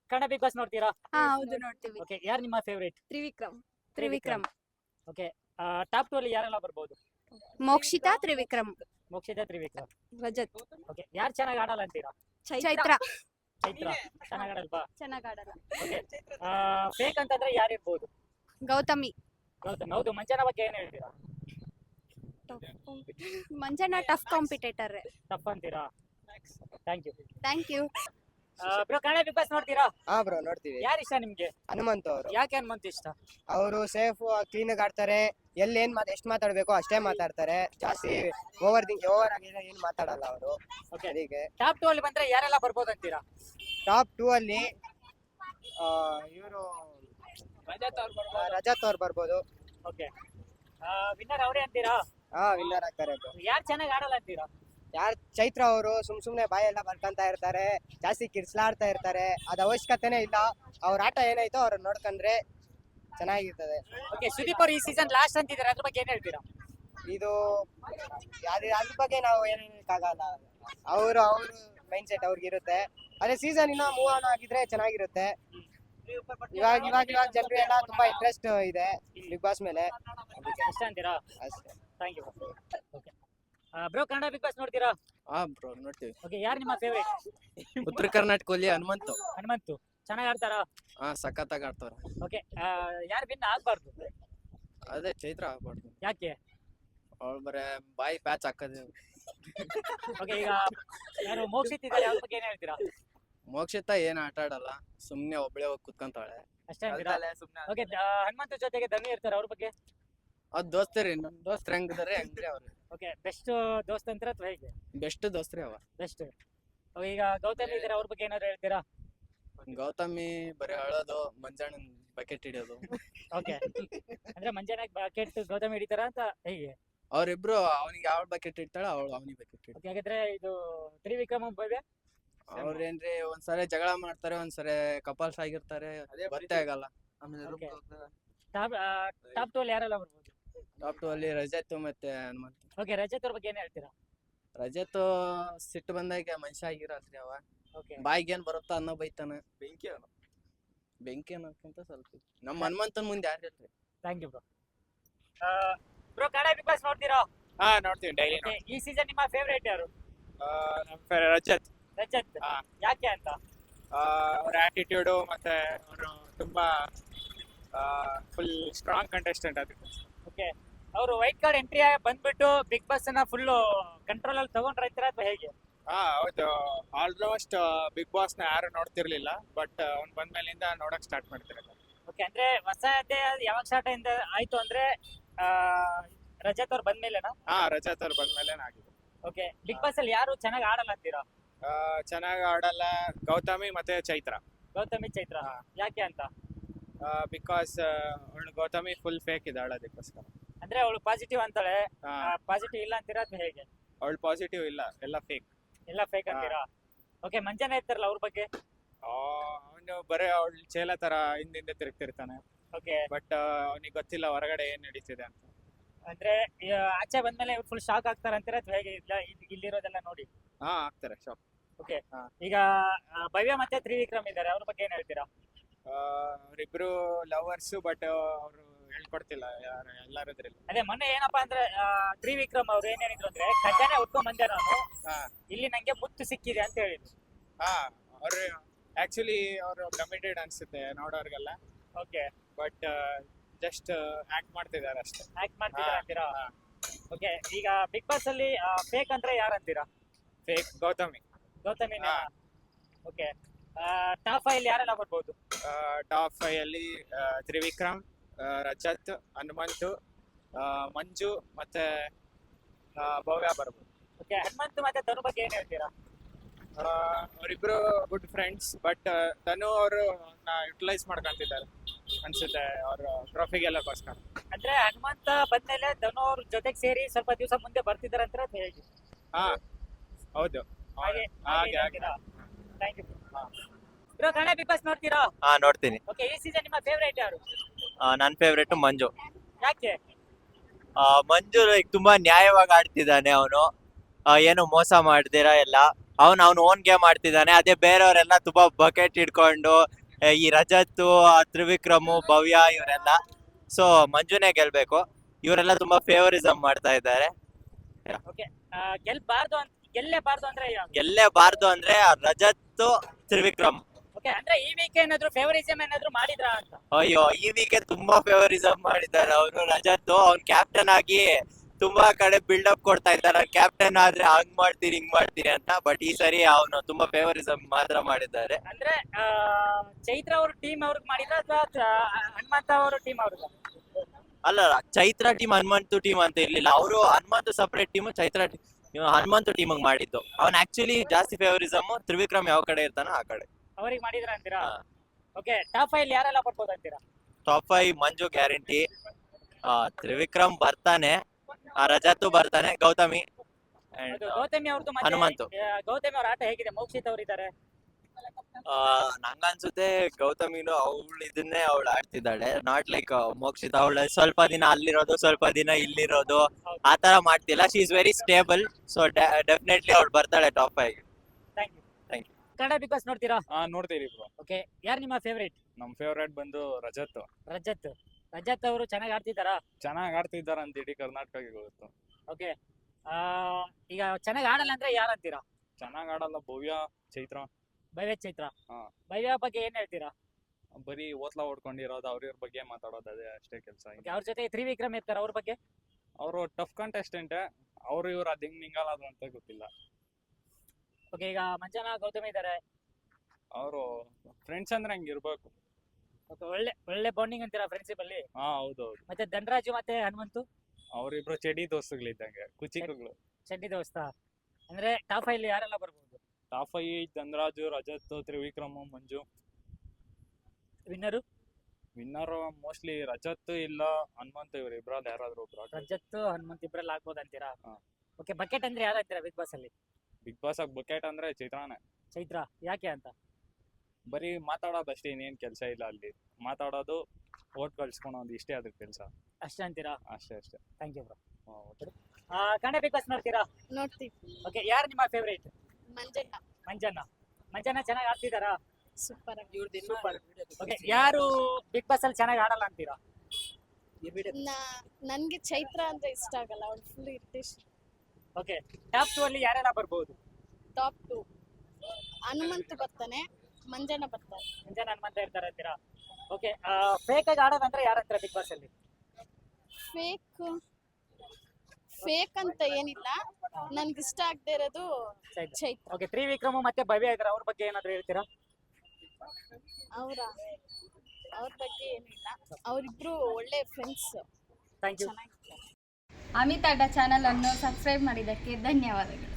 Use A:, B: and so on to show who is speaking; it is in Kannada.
A: ಕನ್ನಡ ಬಿಗ್ ಬಾಸ್ ನೋಡ್ತೀರಾ?
B: ಹೌದು ನೋಡ್ತೀವಿ.
A: ಓಕೆ, ಯಾರು ನಿಮ್ಮ ಫೇವರೇಟ್?
B: ತ್ರಿವಿಕ್ರಮ್.
A: ಓಕೆ, ಟಾಪ್ 2 ಅಲ್ಲಿ ಯಾರೆಲ್ಲ ಬರ್ಬೋದು?
B: ಮೋಕ್ಷಿತಾ, ತ್ರಿವಿಕ್ರಮ್.
A: ಮೋಕ್ಷಿತಾ, ತ್ರಿವಿಕ್ರಮ್.
B: ರಜತ್.
A: ಓಕೆ, ಯಾರು ಚೆನ್ನಾಗಿ ಆಡಲ್ಲ ಅಂತೀರಾ?
B: ಚೈತ್ರ
A: ಚೈತ್ರ ಚೆನ್ನಾಗಿ ಆಡಲ್ವಾ?
B: ಚೆನ್ನಾಗ್ ಆಡಲ್ಲ.
A: ಓಕೆ, ಫೇಕ್ ಅಂತಂದ್ರೆ ಯಾರಿರ್ಬೋದು?
B: ಗೌತಮಿ.
A: ಗೌತಮ್. ಹೌದು, ಮಂಜನ ಬಗ್ಗೆ ಏನ್ ಹೇಳ್ತೀರಾ?
B: Manjanna tough competitor.
A: ಟಫ್ ಅಂತೀರಾ? Thank you.
B: Thank you.
A: Bro, Kannada Bigg Boss ನೋಡ್ತೀರಾ?
C: ಬ್ರೋ ನೋಡ್ತೀವಿ.
A: ಯಾರು ಇಷ್ಟ ನಿಮ್ಗೆ?
C: ಹನುಮಂತ್ ಅವರು.
A: ಯಾಕೆ ಹನುಮಂತ್ ಇಷ್ಟ?
C: ಅವರು ಸೇಫ್ ಕ್ಲೀನ್ ಆಗಿ ಆಡ್ತಾರೆ. ಎಲ್ಲಿ ಎಷ್ಟು ಮಾತಾಡ್ಬೇಕು ಅಷ್ಟೇ ಮಾತಾಡ್ತಾರೆ. ಜಾಸ್ತಿ ಓವರ್ ಆಗಿ ಏನು ಮಾತಾಡಲ್ಲ ಅವರು.
A: ಓಕೆ,
C: ಅದಕ್ಕೆ
A: ಟಾಪ್ 2 ಅಲ್ಲಿ ಬಂದ್ರೆ ಯಾರೆಲ್ಲ ಬರ್ಬೋದು ಅಂತೀರಾ?
C: ಟಾಪ್ 2 ಅಲ್ಲಿ ಇವರು ರಜತ್ ಅವ್ರು ಬರ್ಬೋದು.
A: ಓಕೆ, ವಿನ್ನರ್ ಅವರೇ ಅಂತೀರಾ?
C: ವಿನ್ನರ್ ಆಗ್ತಾರೆ.
A: ಯಾರು ಚೆನ್ನಾಗಿ ಆಡಲ್ಲ ಅಂತೀರಾ?
C: ಚೈತ್ರ ಅವರು ಸುಮ್ನೆ ಬಾಯೆಲ್ಲ ಬರ್ಕಂತ ಇರ್ತಾರೆ. ಜಾಸ್ತಿ ಕಿರ್ಸ್ಲಾಡ್ತಾ ಇರ್ತಾರೆ. ಅದ್ ಅವಶ್ಯಕತೆನೇ ಇಲ್ಲ. ಅವ್ರ ಆಟ ಏನಾಯ್ತೋ ಅವ್ರನ್ನ ನೋಡ್ಕೊಂಡ್ರೆ ಚೆನ್ನಾಗಿರ್ತದೆ.
A: ಓಕೆ, ಸುದೀಪ್ ಅವರು ಈ ಸೀಸನ್ ಲಾಸ್ಟ್ ಅಂತಿದ್ದಾರೆ, ಅದ್ರ ಬಗ್ಗೆ ಏನ್ ಹೇಳ್ತೀರಾ?
C: ಇದು ಅದ್ರ ಬಗ್ಗೆ ನಾವು ಏನ್ ಹೇಳಕ್ಕಾಗಲ್ಲ. ಅವ್ರ ಮೈಂಡ್ ಸೆಟ್ ಅವ್ರಿಗಿರುತ್ತೆ. ಅದೇ ಸೀಸನ್ ಇನ್ನ ಮೂವ್ ಆನ್ ಆಗಿದ್ರೆ ಚೆನ್ನಾಗಿರುತ್ತೆ. ಇವಾಗ ಜನರು ಎಲ್ಲ ತುಂಬಾ ಇಂಟ್ರೆಸ್ಟ್ ಇದೆ ಬಿಗ್ ಬಾಸ್ ಮೇಲೆ.
A: ಇಷ್ಟ ಅಂತೀರಾ?
C: ಅಷ್ಟೇ.
A: Thank you. Okay, bro, Kannada Bigg Boss ನೋಡ್ತೀರಾ?
D: ಬ್ರೋ ನೋಡ್ತೀವಿ.
A: ಓಕೆ, ಯಾರು ನಿಮ್ಮ ಫೇವರೇಟ್?
D: ಉತ್ತರ ಕರ್ನಾಟಕದಲ್ಲಿ ಹನುಮಂತು.
A: ಹನುಮಂತು ಚೆನ್ನಾಗಿ ಆಡ್ತಾರಾ?
D: ಸಖತ್ತಾಗಿ ಆಡ್ತಾರ.
A: ಓಕೆ, ಯಾರು ವಿನ್ ಆಗ್ಬಾರ್ದು?
D: ಅದೇ ಚೈತ್ರ ಆಗ್ಬಾರ್ದು.
A: ಯಾಕೆ?
D: ಅವ್ಳು ಬರೇ ಬಾಯಿ ಪ್ಯಾಚ್ ಹಾಕದೆ.
A: ಓಕೆ, ಈಗ ಯಾರು ಮೋಕ್ಷಿತ್ ಇದ್ದಾರೆ, ಅವ್ರ ಬಗ್ಗೆ ಏನ್ ಹೇಳ್ತೀರಾ?
D: ಮೋಕ್ಷಿತ ಏನ್ ಆಟ ಆಡಲ್ಲ, ಸುಮ್ನೆ ಒಬ್ಳೆ ಹೋಗಿ ಕುತ್ಕೊಂತಾಳೆ
A: ಅಷ್ಟೇ ಅಂತೀರಾ? ಓಕೆ, ಹನುಮಂತ ಜೊತೆಗೆ ಧನು ಇರ್ತಾರೆ, ಅವ್ರ ಬಗ್ಗೆ?
D: ಅದ್ ದೋಸ್ತರಿ, ನಮ್ ದೋಸ್ತ್ರ ಹೆಂಗಿದಾರೆ ಹಂಗ್ರಿ ಅವ್ರು.
A: ಓಕೆ, ಬೆಸ್ಟ್ ದೋಸ್ತ್ ಅಂತೀರಾ ಅಥವಾ ಹೇಗೆ?
D: ಬೆಸ್ಟ್ ದೋಸ್ತ್ರಿ ಅವ.
A: ಬೆಸ್ಟ್. ಈಗ ಗೌತಮಿ ಇದ್ದಾರೆ, ಅವ್ರ ಬಗ್ಗೆ ಏನಾದ್ರು ಹೇಳ್ತೀರಾ?
D: ಗೌತಮಿ ಬರೀ ಅಳೋದು, ಮಂಜಾಣನ್ ಬಕೆಟ್ ಹಿಡಿಯೋದು.
A: ಓಕೆ, ಅಂದ್ರೆ ಮಂಜಾನಾಗ್ ಬಕೆಟ್ ಗೌತಮಿ ಹಿಡಿತಾರ ಅಂತ ಹೇಗೆ?
D: ಅವ್ರಿಬ್ರು ಅವನಿಗೆ ಯಾವ ಬಕೆಟ್ ಇಡ್ತಾಳ, ಅವಳು ಅವನಿಗೆ ಬಕೆಟ್ ಇಡ್ತಾಳೆ.
A: ಓಕೆ, ಹಾಗಾದ್ರೆ ಇದು ತ್ರಿವಿಕ್ರಮ ಭವ್ಯ
D: ಅವ್ರೇನ್ರಿ ಒಂದ್ಸರಿ ಜಗಳ ಮಾಡ್ತಾರೆ, ಒಂದ್ಸರಿ ಕಪಲ್ಸ್ ಆಗಿರ್ತಾರೆ, ಗೊತ್ತೇ ಆಗಲ್ಲ.
A: Okay. ಟಾಪ್ 2 ಅಲ್ಲಿ ಯಾರೆಲ್ಲ ಬರ್ಬೋದು?
D: ಟಾಪ್ 2 ಅಲ್ಲಿ ರಜತ್ ಮತ್ತೆ ಹನುಮಂತ್.
A: ಓಕೆ, ರಜತ್ ಅವ್ರ ಬಗ್ಗೆ ಏನ್ ಹೇಳ್ತೀರಾ?
D: ರಜತ್ ಸಿಟ್ಟು ಬಂದಾಗ ಮನುಷ್ಯ ಆಗಿರಲ್ರಿ ಅವ.
A: ಓಕೆ,
D: ಬಾಯಿಗೆ ಏನ್ ಬರುತ್ತೋ ಅನ್ನೋ ಬೈತಾನ. ಬೆಂಕಿ ಅನ್ನೋಕ್ಕಿಂತ ಸ್ವಲ್ಪ ನಮ್ಮ ಹನುಮಂತನ್ ಮುಂದೆ ಯಾರು ಇರ್ರಿ.
A: Thank you bro. Bro, Kannada Bigg Boss ನೋಡ್ತೀರಾ?
E: ನೋಡ್ತೀವಿ ಡೈಲಿ.
A: Okay, ಈ ಸೀಸನ್ ನಿಮ್ಮ ಫೇವರೇಟ್ ಯಾರು?
E: ನಮ್ಮ ರಜತ್.
A: ರಜತ್.
E: ಹಾ.
A: ಯಾಕೆ ಅಂತ?
E: ಅವ್ರ ಆಟಿಟ್ಯೂಡು ಮತ್ತೆ ಅವರು ತುಂಬಾ ಫುಲ್ ಸ್ಟ್ರಾಂಗ್ ಕಂಟೆಸ್ಟೆಂಟ್ ಅದಕ್ಕೆ.
A: ಓಕೆ, ಅವರು ವೈಟ್ ಕಾರ್ಡ್ ಎಂಟ್ರಿ ಬಂದ್ಬಿಟ್ಟು ಬಿಗ್ ಬಾಸ್ ಅನ್ನ ಫುಲ್ ಕಂಟ್ರೋಲ್ ಅಲ್ಲಿ ತಗೊಂಡ್ರೈತೀರಾ ಅಥವಾ ಹೇಗೆ?
E: ಹೌದು, ಆಲ್ಮೋಸ್ಟ್ ಬಿಗ್ ಬಾಸ್ ನ ಯಾರು ನೋಡ್ತಿರ್ಲಿಲ್ಲ, ಬಟ್ ಅವ್ನ್ ಬಂದ್ಮೇಲಿಂದ ನೋಡಕ್ ಸ್ಟಾರ್ಟ್ ಮಾಡ್ತಿರಲ್ಲ.
A: ಓಕೆ, ಅಂದ್ರೆ ಹೊಸದೇ ಯಾವಾಗ ಸ್ಟಾರ್ಟ್ ಆಯ್ತು ಅಂದ್ರೆ ರಜತ್ ಅವ್ರು ಬಂದ್ಮೇಲೆನಾ?
E: ರಜತ್ ಅವ್ರು ಬಂದ್ಮೇಲೆ ಆಗಿದೆ.
A: ಓಕೆ, ಬಿಗ್ ಬಾಸ್ ಅಲ್ಲಿ ಯಾರು ಚೆನ್ನಾಗಿ ಆಡಲ್ಲ ಅಂತೀರಾ?
E: ಚೆನ್ನಾಗಿ ಆಡಲ್ಲ ಗೌತಮಿ ಮತ್ತೆ ಚೈತ್ರ.
A: ಗೌತಮಿ, ಚೈತ್ರ. ಯಾಕೆ ಅಂತ?
E: ಬಿಕಾಸ್ ಅವಳು ಗೌತಮಿ ಫುಲ್ ಫೇಕ್ ಇದ್ದಾಳೆ, ಅದಕ್ಕೋಸ್ಕರ.
A: ಅಂದ್ರೆ ಅವಳು ಪಾಸಿಟಿವ್ ಅಂತಾಳೆ, ಪಾಸಿಟಿವ್ ಇಲ್ಲ ಅಂತೀರಾ ಅಥವಾ ಹೇಗೆ?
E: ಅವಳು ಪಾಸಿಟಿವ್ ಇಲ್ಲ, ಎಲ್ಲ ಫೇಕ್.
A: ಎಲ್ಲ ಫೇಕ್ ಅಂತೀರಾ? ಓಕೆ, ಮಂಜಾನ ಇರ್ತಾರಲ್ಲ ಅವ್ರ ಬಗ್ಗೆ?
E: ಅವನು ಬರೀ ಅವಳು ಚೇಲ ತರ ಹಿಂದಿಂದ ತಿರುಗ್ತಿರ್ತಾನೆ.
A: ಓಕೆ,
E: ಬಟ್ ಅವನಿಗೆ ಗೊತ್ತಿಲ್ಲ ಹೊರಗಡೆ ಏನ್ ನಡೀತಿದೆ ಅಂತ.
A: ಅಂದ್ರೆ ಆಚೆ ಬಂದ್ಮೇಲೆ ಫುಲ್ ಶಾಕ್ ಆಗ್ತಾರ ಅಂತೀರಾ ಅಥವಾ ಹೇಗೆ? ಇಲ್ಲಿರೋದೆಲ್ಲ ನೋಡಿ
E: ಆಗ್ತಾರೆ ಶಾಕ್.
A: ಓಕೆ,
E: ಹಾ.
A: ಈಗ ಭವ್ಯ ಮತ್ತೆ ತ್ರಿವಿಕ್ರಮ್ ಇದ್ದಾರೆ, ಅವ್ರ ಬಗ್ಗೆ ಏನ್ ಹೇಳ್ತೀರಾ?
E: ಅವರಿಬ್ರು ಲವರ್ಸ್, ಬಟ್ ಅವರು ಹೇಳ್ಕೊಡ್ತಿಲ್ಲ ಎಲ್ಲಾರದ್ರಲ್ಲಿ.
A: ಅದೇ ಮೊನ್ನೆ ಏನಪ್ಪಾ ಅಂದ್ರೆ ತ್ರಿವಿಕ್ರಮ್ ಅವ್ರು ಏನ್ ಹೇಳಿದ್ರು ಅಂದ್ರೆ, ಖಜಾನೆ ಉಟ್ಕೊಂಡ್ ಬಂದೆ ನಾನು,
E: ಹಾ.
A: ಇಲ್ಲಿ ನಂಗೆ ಮುತ್ತು ಸಿಕ್ಕಿದೆ ಅಂತ ಹೇಳಿದ್ರು.
E: ಅವ್ರು ಆಕ್ಚುಲಿ ಅವರು ಕಮಿಟೆಡ್ ಅನ್ಸುತ್ತೆ ನೋಡೋರ್ಗೆಲ್ಲ,
A: ಓಕೆ,
E: ಬಟ್ ಜಸ್ಟ್ ಆಕ್ಟ್ ಮಾಡ್ತಿದ್ದಾರೆ ಅಷ್ಟೇ.
A: ಆಕ್ಟ್ ಮಾಡ್ತಿದ್ದಾರೆ ಅಂತೀರಾ? ಓಕೆ, ಈಗ ಬಿಗ್ ಬಾಸ್ ಅಲ್ಲಿ ಫೇಕ್ ಅಂದ್ರೆ ಯಾರು ಅಂತೀರಾ?
E: ಫೇಕ್ ಗೌತಮಿ.
A: ಗೌತಮಿ.
E: ಹಾ.
A: ಓಕೆ, ಟಾಪ್ 5 ಅಲ್ಲಿ ಯಾರೆಲ್ಲ ಬರ್ಬೋದು?
E: ಟಾಪ್ 5 ಅಲ್ಲಿ ತ್ರಿವಿಕ್ರಮ್, ರಜತ್, ಹನುಮಂತು, ಮಂಜು ಮತ್ತೆ ಭವ್ಯ ಬರ್ಬೋದು.
A: ಓಕೆ, ಹನುಮಂತ್ ಮತ್ತೆ ಧನು ಬಗ್ಗೆ ಏನ್ ಹೇಳ್ತೀರಾ?
E: ಅವರಿಬ್ರು ಗುಡ್ ಫ್ರೆಂಡ್ಸ್, ಬಟ್ ಧನು ಅವರು ಯುಟಿಲೈಸ್ ಮಾಡ್ಕೊಂತಿದ್ದಾರೆ ಅನ್ಸುತ್ತೆ ಅವ್ರ ಟ್ರೋಫಿ ಗೆಲ್ಲಕ್ಕೋಸ್ಕರ.
A: ಅಂದ್ರೆ ಹನುಮಂತ ಬಂದ್ಮೇಲೆ ಧನು ಅವ್ರ ಜೊತೆಗೆ ಸೇರಿ ಸ್ವಲ್ಪ ದಿವಸ ಮುಂದೆ ಬರ್ತಿದಾರೆ ಅಂತ ಹೇಗೆ?
E: ಹೌದು, ಹಾಗೆ.
A: Thank you bro. Kannada Bigg Boss ನೋಡ್ತೀರಾ?
F: ನೋಡ್ತೀನಿ.
A: ಓಕೆ, ಈ ಸೀಸನ್ ನಿಮ್ಮ ಫೇವರೇಟ್ ಯಾರು?
F: ನನ್ ಫೇವ್ರೇಟ್ ಮಂಜು.
A: ಯಾಕೆ?
F: ಮಂಜು ತುಂಬಾ ನ್ಯಾಯವಾಗಿ ಆಡ್ತಿದ್ದಾನೆ ಅವನು, ಏನು ಮೋಸ ಮಾಡ್ದಿರಾ ಎಲ್ಲ. ಅವ್ನು ಓನ್ ಗೇಮ್ ಆಡ್ತಿದ್ದಾನೆ. ಅದೇ ಬೇರೆಯವರೆಲ್ಲ ತುಂಬಾ ಬಕೆಟ್ ಹಿಡ್ಕೊಂಡು ಈ ರಜತ್, ತ್ರಿವಿಕ್ರಮ್, ಭವ್ಯ ಇವರೆಲ್ಲ. ಸೊ ಮಂಜುನೇ ಗೆಲ್ಬೇಕು. ಇವರೆಲ್ಲ ತುಂಬಾ ಫೇವರಿಸಮ್ ಮಾಡ್ತಾ ಇದ್ದಾರೆ.
A: ಗೆಲ್ಲೇಬಾರ್ದು ಅಂದ್ರೆ
F: ಗೆಲ್ಲೇಬಾರ್ದು ಅಂದ್ರೆ ರಜತ್, ತ್ರಿವಿಕ್ರಮ್.
A: ಓಕೆ, ಅಂದ್ರೆ ಈ ವೀಕ್ ಏನಾದ್ರು ಫೇವರಿಸಮ್ ಏನಾದ್ರು ಮಾಡಿದ್ರಾ ಅಂತ?
F: ಅಯ್ಯೋ, ಈ ವೀಕೆ ತುಂಬಾ ಫೇವರಿಸಮ್ ಮಾಡಿದ್ದಾರೆ ಅವರು. ರಜತ್ ಅವ್ನ್ ಕ್ಯಾಪ್ಟನ್ ಆಗಿ ತುಂಬಾ ಕಡೆ ಬಿಲ್ಡಪ್ ಕೊಡ್ತಾ ಇದ್ದಾರೆ. ಕ್ಯಾಪ್ಟನ್ ಆದ್ರೆ ಹಂಗ್ ಮಾಡ್ತೀರಿ ಹಿಂಗ್ ಮಾಡ್ತೀರಿ ಅಂತ. ಬಟ್ ಈ ಸರಿ ಅವನು ತುಂಬಾ ಫೇವರಿಸಮ್ ಮಾತ್ರ ಮಾಡಿದ್ದಾರೆ.
A: ಅಂದ್ರೆ ಚೈತ್ರ ಅವ್ರ ಟೀಮ್ ಅವ್ರಿಗೆ ಮಾಡಿದ್ರ ಅಥವಾ ಹನುಮಂತ ಅವ್ರ ಟೀಮ್ ಅವ್ರಿಗೆ?
F: ಅಲ್ಲ, ಚೈತ್ರ ಟೀಮ್ ಹನುಮಂತು ಟೀಮ್ ಅಂತ ಇರ್ಲಿಲ್ಲ. ಅವರು Hanumanthu separate team, Chaitra Hanumanthu team ಮಾಡಿದ್ದು. ಅವ್ನ್ ಆಕ್ಚುಲಿ ಜಾಸ್ತಿ ಫೇವರಿಸಮ್ ತ್ರಿವಿಕ್ರಮ್ ಯಾವ ಕಡೆ ಇರ್ತಾನೋ ಆ ಕಡೆ
A: ಅವ್ರಿಗೆ ಮಾಡಿದ್ರ ಅಂತೀರಾ?
F: ಹಾ.
A: ಓಕೆ, ಟಾಪ್ 5 ಯಾರೆಲ್ಲ ಬರ್ಬೋದು ಅಂತೀರಾ?
F: ಟಾಪ್ 5 ಮಂಜು ಗ್ಯಾರಂಟಿ, ತ್ರಿವಿಕ್ರಮ್ ಬರ್ತಾನೆ, ರಜತ್ ಬರ್ತಾನೆ, ಗೌತಮಿ and,
A: ಅದು ಗೌತಮಿ ಅವ್ರದ್ದು
F: ಹನುಮಂತು.
A: ಗೌತಮಿ ಅವ್ರ ಆಟ ಹೇಗಿದೆ? ಮೋಕ್ಷಿತ್ ಅವ್ರು ಇದ್ದಾರೆ.
F: ನಂಗನ್ಸುತ್ತೆ ಗೌತಮಿನು ಇದನ್ನೇ ಅವಳು ಆಡ್ತಿದ್ದಾಳೆ. Not like Mokshit. ಅವಳು ಸ್ವಲ್ಪ ದಿನ ಅಲ್ಲಿರೋದು, ಸ್ವಲ್ಪ ದಿನ ಇಲ್ಲಿರೋದು, ಆತರ ಮಾಡ್ತಿಲ್ಲ. She is very stable. So definitely ಅವಳು ಬರ್ತಾಳೆ top 5.
A: Thank you.
F: Thank
A: Kannada Bigg Boss ನೋಡ್ತೀರಾ?
E: ನೋಡ್ತೀರಿ ಬ್ರೋ.
A: ಓಕೆ, ಯಾರು ನಿಮ್ಮ ಫೇವರೇಟ್?
E: ನಮ್ ಫೇವ್ರೇಟ್ ಬಂದು ರಜತ್.
A: ರಜತ್ ಅವರು ಚೆನ್ನಾಗಿ ಆಡ್ತಿದ್ದಾರಾ?
E: ಚೆನ್ನಾಗಿ ಆಡ್ತಿದ್ದಾರೆ ಅಂತ ಇಡೀ ಕರ್ನಾಟಕಕ್ಕೆ ಗೊತ್ತು.
A: ಓಕೆ, ಈಗ ಚೆನ್ನಾಗಿ ಆಡಲ್ಲ ಅಂದ್ರೆ ಯಾರು ಅಂತೀರಾ?
E: ಚೆನ್ನಾಗಿ ಆಡಲ್ಲ ಭವ್ಯ, ಚೈತ್ರ.
A: ಚೈತ್ರ.
E: ಹಾ.
A: ಭವ್ಯ ಬಗ್ಗೆ ಏನ್ ಹೇಳ್ತೀರಾ?
E: ಬರೀ ಓತ್ಲಾ ಹೊಡ್ಕೊಂಡಿರೋದು, ಅವ್ರ ಬಗ್ಗೆ ಮಾತಾಡೋದು, ಅದೇ ಅಷ್ಟೇ ಕೆಲಸ.
A: ಅವ್ರ ಜೊತೆ ತ್ರಿವಿಕ್ರಮ್ ಇರ್ತಾರ, ಅವ್ರ ಬಗ್ಗೆ?
E: ಅವರು ಟಫ್ ಕಂಟೆಸ್ಟೆಂಟ್. ಅವ್ರು ಇವ್ರು ಅದ್ ಹೆಂಗ್ ಮಿಂಗಲ್ ಅಂತ ಗೊತ್ತಿಲ್ಲ.
A: ಓಕೆ, ಈಗ ಮಂಜನಾ, ಗೌತಮಿ ಇದಾರೆ.
E: ಅವರು ಫ್ರೆಂಡ್ಸ್ ಅಂದ್ರೆ ಹಂಗ ಇರ್ಬೇಕು.
A: ಒಳ್ಳೆ ಬಾಂಡಿಂಗ್ ಅಂತೀರಾ ಫ್ರೆಂಡ್ಶಿಪ್ ಅಲ್ಲಿ?
E: ಹೌದೌದು.
A: ಮತ್ತೆ ಧನರಾಜು ಮತ್ತೆ ಹನುಮಂತು
E: ಅವ್ರಿಬ್ರು ಚೆಡಿ ದೋಸ್ತುಗಳಿದ್ದಂಗೆ, ಕುಚಿಕಗಳು.
A: ಚಡ್ಡಿ ದೋಸ್ತ. ಅಂದ್ರೆ ಟಾಪ್ 5 ಯಾರೆಲ್ಲ ಬರ್ಬೋದು?
E: Top 5 Dhanraj, Rajath, Trivikram, Manju.
A: Winner?
E: Winner mostly Rajath ಇಲ್ಲ ಹನುಮಂತ, ಇವ್ರು ಇಬ್ರಲ್ಲಿ ಯಾರಾದ್ರೂ ಒಬ್ರು.
A: ರಜತ್, ಹನುಮಂತ್ ಇಬ್ರಲ್ಲಿ ಆಗ್ಬೋದು ಅಂತೀರಾ?
E: ಹಾ.
A: ಓಕೆ, ಬಕೆಟ್ ಅಂದ್ರೆ ಯಾರು ಅಂತೀರಾ ಬಿಗ್ ಬಾಸ್ ಅಲ್ಲಿ?
E: ಬಿಗ್ ಬಾಸ್ ಆಗಿ ಬಕೆಟ್ ಅಂದ್ರೆ ಚೈತ್ರಾನೇ.
A: ಚೈತ್ರ, ಯಾಕೆ ಅಂತ?
E: ಬರೀ ಮಾತಾಡೋದು ಅಷ್ಟೇ, ಇನ್ನೇನ್ ಕೆಲಸ ಇಲ್ಲ ಅಲ್ಲಿ. ಮಾತಾಡೋದು, ಓಟ್ ಕಳ್ಸ್ಕೊಳೋದು, ಇಷ್ಟೇ ಅದ್ರ ಕೆಲಸ.
A: ಅಷ್ಟೇ ಅಂತೀರಾ?
E: ಅಷ್ಟೇ.
A: Thank you bro. Kannada Bigg Boss ನೋಡ್ತೀರಾ?
B: ನೋಡ್ತೀವಿ.
A: ಓಕೆ, ಯಾರು ನಿಮ್ಮ ಫೇವರೇಟ್?
B: ಮಂಜಣ್ಣ
A: ಮಂಜನ ಚೆನ್ನಾಗಿ ಆಡ್ತಿದಾರಾ?
B: ಸೂಪರ್.
A: ಸೂಪರ್. ಓಕೆ, ಯಾರು ಬಿಗ್ ಬಾಸ್ ಅಲ್ಲಿ ಚೆನ್ನಾಗಿ ಆಡಲ್ಲ ಅಂತೀರಾ?
B: ನನ್ಗೆ ಚೈತ್ರ ಅಂದ್ರೆ ಇಷ್ಟ ಆಗಲ್ಲ, ಅವಳು ಫುಲ್ ಇರಿಟೇಷನ್.
A: ಓಕೆ, ಟಾಪ್ 2 ಅಲ್ಲಿ ಯಾರೆಲ್ಲ ಬರ್ಬೋದು?
B: ಟಾಪ್ 2 ಹನುಮಂತ ಬರ್ತಾನೆ, ಮಂಜಣ್ಣ ಬರ್ತಾನೆ.
A: ಮಂಜನ, ಹನುಮಂತ ಇರ್ತಾರೆ ಅಂತೀರಾ? ಓಕೆ, ಫೇಕ್ ಆಗಿ ಆಡೋದಂದ್ರೆ ಯಾರಂತೀರಾ ಬಿಗ್ ಬಾಸ್ ಅಲ್ಲಿ?
B: ಫೇಕ್ ಅಂತ ಏನಿಲ್ಲ, ನನ್ಗೆ ಇಷ್ಟ ಆಗದೆ ಇರೋದು ಚೈತ್ರ.
A: ಓಕೆ, ತ್ರಿವಿಕ್ರಮ್ ಮತ್ತೆ ಭವ್ಯ ಇದಾರೆ, ಅವ್ರ ಬಗ್ಗೆ ಏನಾದ್ರು ಹೇಳ್ತೀರಾ?
B: ಅವ್ರ ಬಗ್ಗೆ ಏನಿಲ್ಲ, ಅವರಿಬ್ರು ಒಳ್ಳೆ ಫ್ರೆಂಡ್ಸ್.
A: Thank you.
B: ಚೆನ್ನಾಗಿ
G: ಅಮಿತ್ ಅಡ್ಡ ಚಾನಲ್ ಅನ್ನು ಸಬ್ಸ್ಕ್ರೈಬ್ ಮಾಡಿದ್ದಕ್ಕೆ ಧನ್ಯವಾದಗಳು.